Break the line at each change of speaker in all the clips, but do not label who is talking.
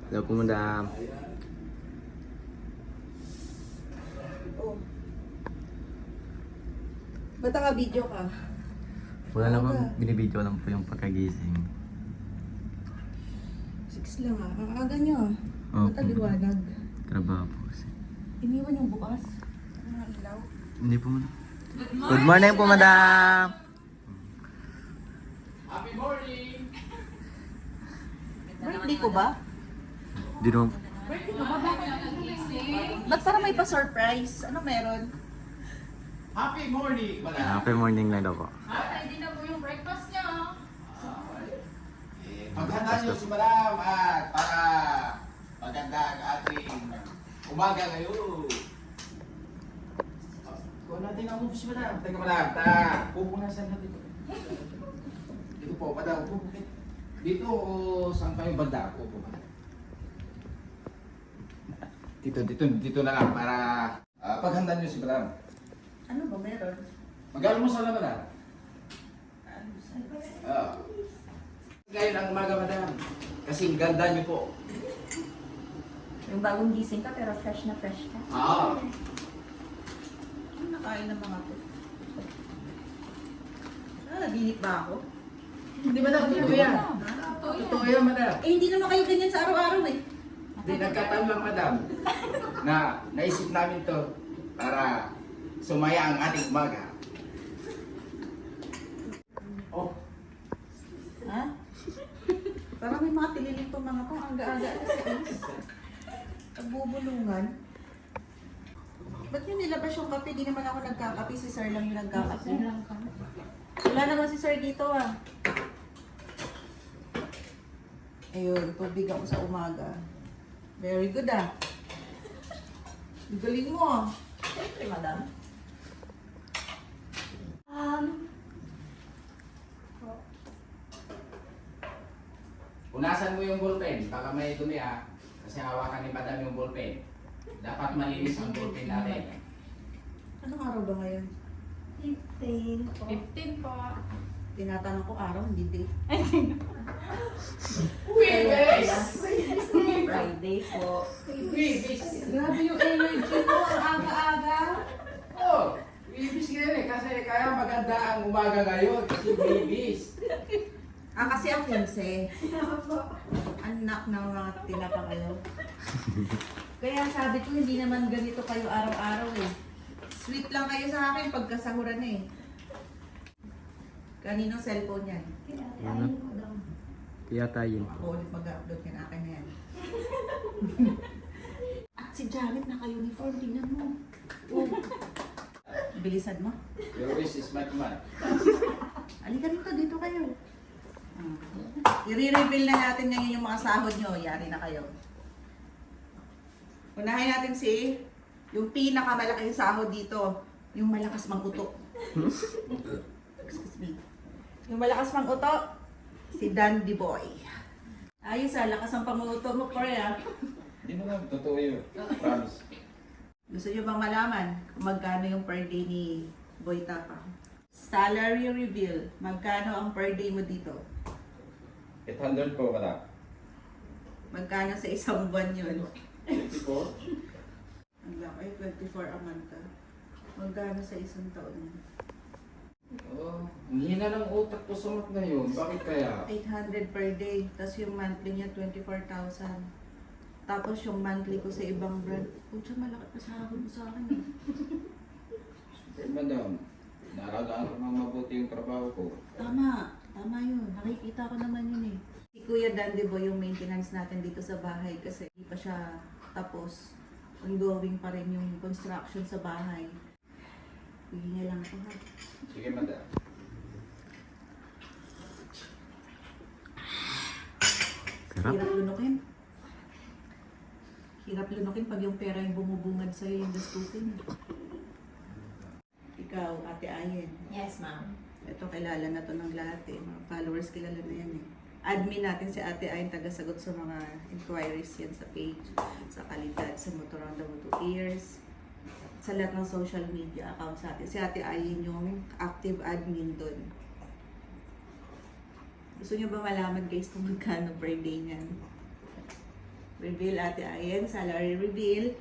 Hello po, madam.
Oh. Ba't naka-video ka?
Wala lang po,
Aga.
binibidyo lang po yung pagkagising.
6 lang ah. Ang aga nyo ah.
Opo.
Ba't ang liwanag?
Trabaho po kasi.
Iniwan yung bukas. Ang mga ilaw.
Hindi po, madam. Good morning po, madam.
Happy morning!
Birthday ko ba?
Di naman.
Birthday ko ba? Ba't parang may pa-surprise? Ano meron?
Happy morning, madam!
Happy morning lang daw po.
Ready na po yung breakfast niya.
Paghanda niyo si madam at para maganda ang ating umaga ngayon. Kuha natin ang upo si madam. Teka madam, pupunasan natin ito. Dito po, madam. Upo. Dito o saan kayo banda? Upo, madam. Dito na lang para paghanda niyo si madam.
Ano ba meron?
Mag-almusal na madam. Ngayon ang umaga, madam. Kasi ganda niyo po.
Yung bagong gising ka pero fresh na fresh ka.
Ano nakain ng mga to? Naginip ba ako?
Hindi madam, totoo yan. Totoo yan, madam.
Eh, hindi naman kayo ganyan sa araw-araw eh.
Hindi nagkataon lang, madam, na naisip namin to para sumaya ang ating umaga. Oh,
Ha? Parang may mga tililing tong mga to. Ang aga-aga kasi. Nagbubulungan. Ba't yun nilabas yung kape? Di naman ako nagkakape. Si Sir lang yung nagkakape. Wala naman si Sir dito ah. Ayun, tubig ako sa umaga. Very good ah. Ang galing mo ah.
Siyempre, madam.
punasan mo yung ballpen. Baka may dumi kasi hawakan ni madam yung ballpen. Dapat malinis ang ballpen natin.
Anong araw ba ngayon?
15 po. 15 po.
Tinatanong ko araw, hindi date.
Wibis!
Friday po.
Wibis!
Grabe yung energy mo. Ang aga-aga.
Oh, wibis ka rin kasi kaya maganda ang umaga ngayon kasi wibis.
Kasi ang 15. Anak ng mga tinapa kayo. Kaya sabi ko, hindi naman ganito kayo araw-araw eh. Sweet lang kayo sa akin pagkasahuran eh. Kaninong cellphone yan?
Kaya tayo.
Ako ulit mag-upload yan. Akin na yan. At si Janet naka-uniform. Tingnan mo. Oh. Bilisan mo.
Your wish is my command.
Halika dito. Dito kayo. I-reveal na natin ngayon yung mga sahod nyo. Yari na kayo. Unahin natin yung pinakamalaking sahod dito. Yung malakas mang-uto. Excuse me. Yung malakas mang-uto, si Dandy Boy. Ayos lakas ang panguto mo, Korea.
Hindi mo lang, totoo yun. Promise.
Gusto nyo bang malaman kung magkano yung per day ni Boy Tapa? Salary reveal. Magkano ang per day mo dito?
800 po, madam.
Magkano sa isang buwan yun?
54?
Ang laki, 24 a month. Magkano sa isang taon yun?
Oh, ang hina ng utak ko sa mat na yun. Bakit kaya?
800 per day. Tapos yung monthly niya, 24,000. Tapos yung monthly ko sa ibang brand. Pucha, malaki pa sahod mo sa akin eh.
Madam, naalagaan ko ng mabuti yung trabaho ko.
Tama. Tama yun. Nakikita ko naman yun eh. Si Kuya Dandy Boy yung maintenance natin dito sa bahay kasi hindi pa siya tapos. Ongoing pa rin yung construction sa bahay. Hihinga lang ako ha.
Sige, madam.
Sarap.
Hirap lunukin. Hirap lunukin pag yung pera yung bumubungad sa'yo yung gastusin. Ikaw, Ate Ayen.
Yes, ma'am.
Ito kilala na to ng lahat eh. Mga followers kilala na yan eh. Admin natin si Ate Ayen, tagasagot sa mga inquiries yan sa page, sa kalidad, sa Motor on the Moto Ears, sa lahat ng social media accounts natin. Si Ate Ayen yung active admin doon. Gusto nyo ba malaman guys kung magkano per day niyan? Reveal, Ate Ayen. Salary reveal.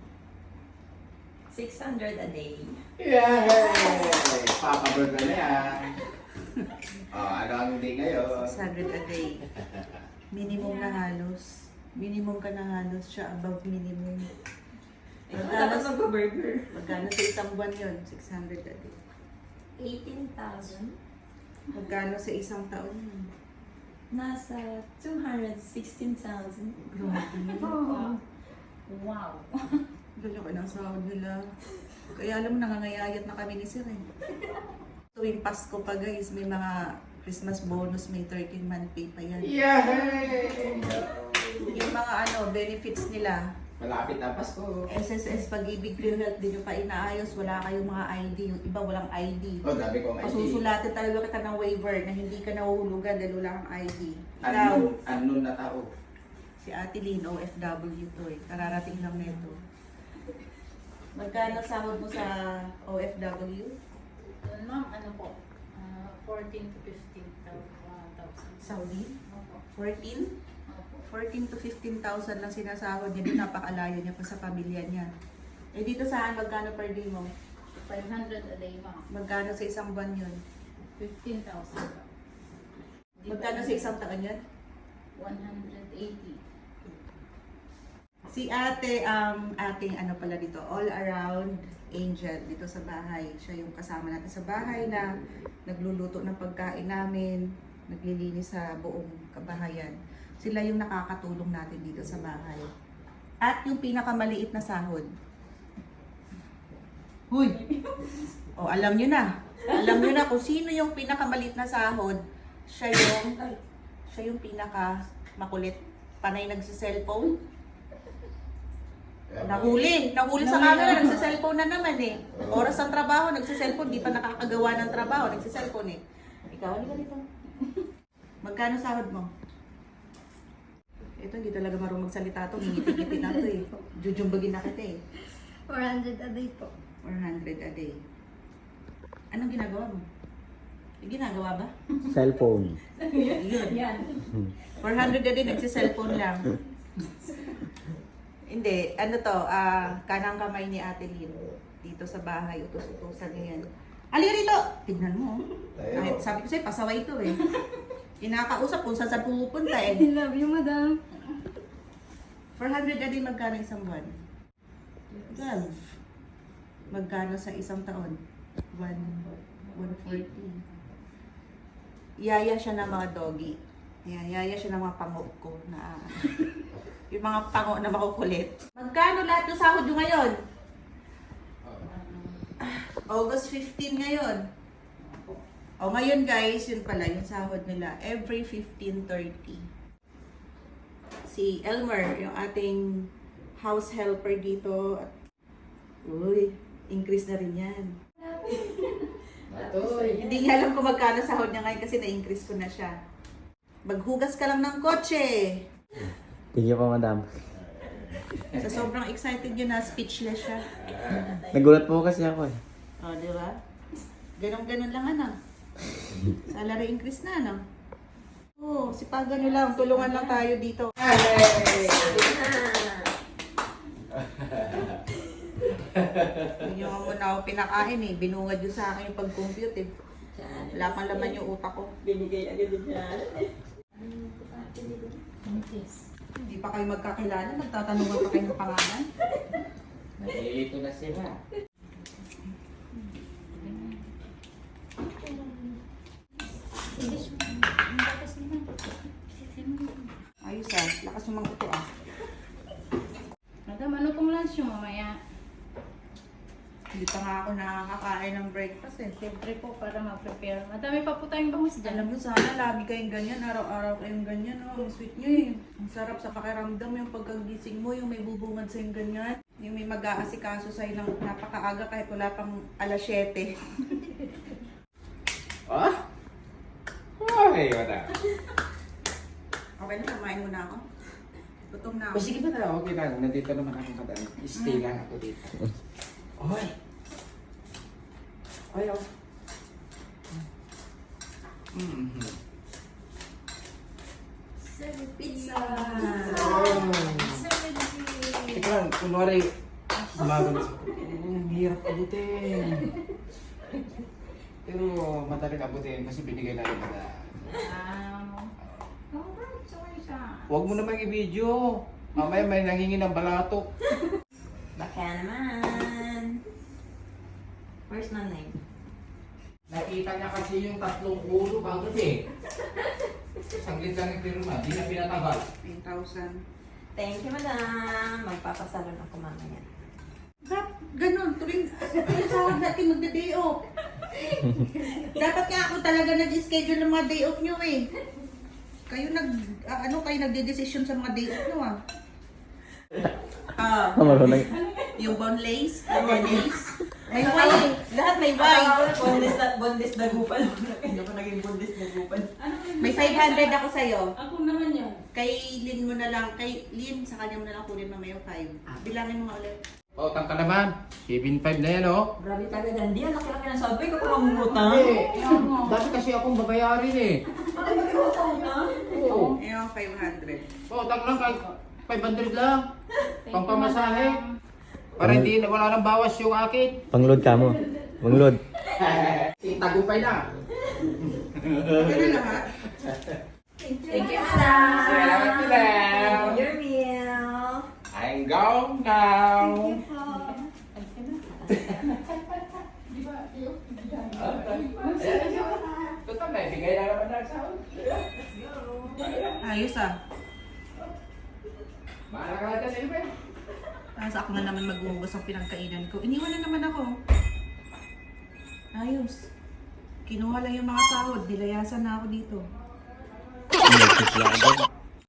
600 a day.
Yay! Papabird na yan. Ano ang hindi ngayon?
600 a day. Minimum na halos. Minimum ka na halos. Siya above minimum.
Ikaw dapat mag-burger.
Magkano sa isang buwan yun? 600 a day.
18,000.
Magkano sa isang taon yun?
Nasa 216,000.
Grabe.
Oh. Wow.
Dala ko ng sahod nila. Kaya alam mo, nangangayayat na kami ni Sir eh. Tuwing Pasko pa guys, may mga Christmas bonus, may 13-month pay pa yan.
Yay!
Yung mga benefits nila,
Malapit na Pasko.
SSS, Pag-ibig, PhilHealth, din yung pa inaayos, wala kayong mga ID. Yung iba walang ID.
Oh, dami kong ID.
Pasusulatin talaga kita ng waiver na hindi ka nahuhulugan dahil wala kang ID. Ikaw,
Unknown na tao.
si Ate Lynn, OFW to eh. Kararating lang nito. Magkano sahod mo sa OFW?
Yun, ma'am, ano po? 14 to 15,000.
Saudi?
Opo.
14?
Opo.
14 to 15,000 lang sinasahod niya. Di napakalayo niya pa sa pamilya niya. Eh dito saan, magkano per day mo?
500 a day, ma'am.
Magkano sa isang buwan yun?
15,000 po.
Magkano sa isang taon yun?
180.
Si ate, ating pala dito, all around angel dito sa bahay. Siya yung kasama natin sa bahay na nagluluto ng pagkain namin, naglilinis sa buong kabahayan. Sila yung nakakatulong natin dito sa bahay. At yung pinakamaliit na sahod. Huy! O, alam nyo na. Alam nyo na kung sino yung pinakamaliit na sahod. Siya yung pinaka makulit. Panay nagsi-cellphone. Nahuli sa camera, nagsa-cellphone na naman eh. Oras ng trabaho, nagsa-cellphone, di pa nakakagawa ng trabaho, nagsa-cellphone eh. Ikaw, ano ganito? Magkano sahod mo? Ito, hindi talaga marunong magsalita to, ngiti-ngiti na to eh. Jujumbagin na kita eh.
400 a day po.
400 a day. Anong ginagawa mo? May ginagawa ba?
Cellphone.
Yun.
Yan.
400 a day, nagsa-cellphone lang. Hindi, kanang kamay ni Ate Lynn. Dito sa bahay, utos-utosan niya yan. Halika rito! Tignan mo. Kahit sabi ko sa'yo, pasaway ito eh. Kinakausap kung saan saan pupunta eh.
I love you, madam.
400 a day, magkano isang buwan? 12. Magkano sa isang taon? 140. Yaya siya ng mga doggy. Yaya siya ng mga pango ko na yung mga pango na makukulit. Magkano lahat ng sahod nyo ngayon? August 15 ngayon. O ngayon guys, yun pala yung sahod nila. Every 15:30. Si Elmer, yung ating house helper dito. Uy, increase na rin yan.
Matoy.
Hindi niya alam kung magkano sahod niya ngayon kasi na-increase ko na siya. Maghugas ka lang ng kotse.
Thank you po, madam.
Sa sobrang excited yun na speechless siya.
Nagulat po kasi ako eh.
O, di ba? Ganon-ganon lang Salary increase na, ano? Oo, sipagan nyo lang. Tulungan lang tayo dito. Hindi nyo muna ako pinakain eh. Binungad yun sa akin yung pag-compute eh. Wala pang laman yung utak ko.
Binigay agad yan.
Hindi pa kayo magkakilala. Magtatanungan pa kayo ng pangalan.
Nalilito na sila.
Ayos ah. Lakas yung mga ito ah.
Madam, ano pong lunch yung mamaya?
Hindi pa nga ako nakakakain ng breakfast eh.
Siyempre po, para mag-prepare. Madami pa po tayong bangus dyan.
Alam mo sana, lagi kayong ganyan, araw-araw kayong ganyan, oh. Ang sweet nyo eh. Ang sarap sa pakiramdam yung pagkagising mo, yung may bubungad sa'yo ganyan. Yung may mag-aasikaso sa'yo ng napakaaga kahit wala pang alas 7.
Ah? Okay, wala.
Okay na, kumain muna ako. Gutom na
O
ako.
sige ba na, okay lang. Nandito naman ako madam. Stay lang ako dito. Oy! Oy, oh.
Pizza!
Oh. lang, kunwari, sumagot. Ang hirap abutin. Pero madaling abutin kasi binigay na rin pala.
Congratulations!
Huwag mo naman i-video. Mamaya may nangingi ng balatok.
Baka naman. Where's nanay?
Nakita niya kasi yung 3 ulo bago eh. Saglit lang yung pirma, di na pinatagal.
9,000.
Thank you, madam. Magpapasalon ako mamaya.
Ganon, tuwing sahod natin magda-day off. Dapat nga ako talaga nag-schedule ng mga day off nyo eh. Kayo kayo nagde-decision sa mga day off nyo ah.
Marunong.
Yung boneless, may why.
Lahat may
Why?
Bondes dagupan. Hindi ako naging bondes dagupan.
May 500 ako sa'yo.
Ako naman yun.
Kay Lynn mo na lang, kay Lynn, sa kanya mo na lang kunin mamaya yung 5. Bilangin mo nga ulit.
Pautang ka naman. 7.5 na yan oh.
Grabe talaga, Dandy. Ang laki-laki ng sabay ka pa mamumutang.
Dati kasi akong babayarin eh.
Ay, mag-iwatang ka?
Oo.
Yung 500.
Pautang lang kay 500 lang. Pangpamasahe. Para hindi wala nang bawas yung akin.
Panglod ka mo. Panglod.
Tagupay na.
Ganun lang ha?
Thank you, madam.
Salamat, madam.
Your meal.
I'm gone now. Total na, bigay na naman ng sahod.
Ayos ah.
Bahala ka na dyan, Elben.
Tapos ako na naman maghuhugas ang pinagkainan ko. Iniwan na naman ako. Ayos. Kinuha lang yung mga sahod. Nilayasan na ako dito.
Inesis lang agad.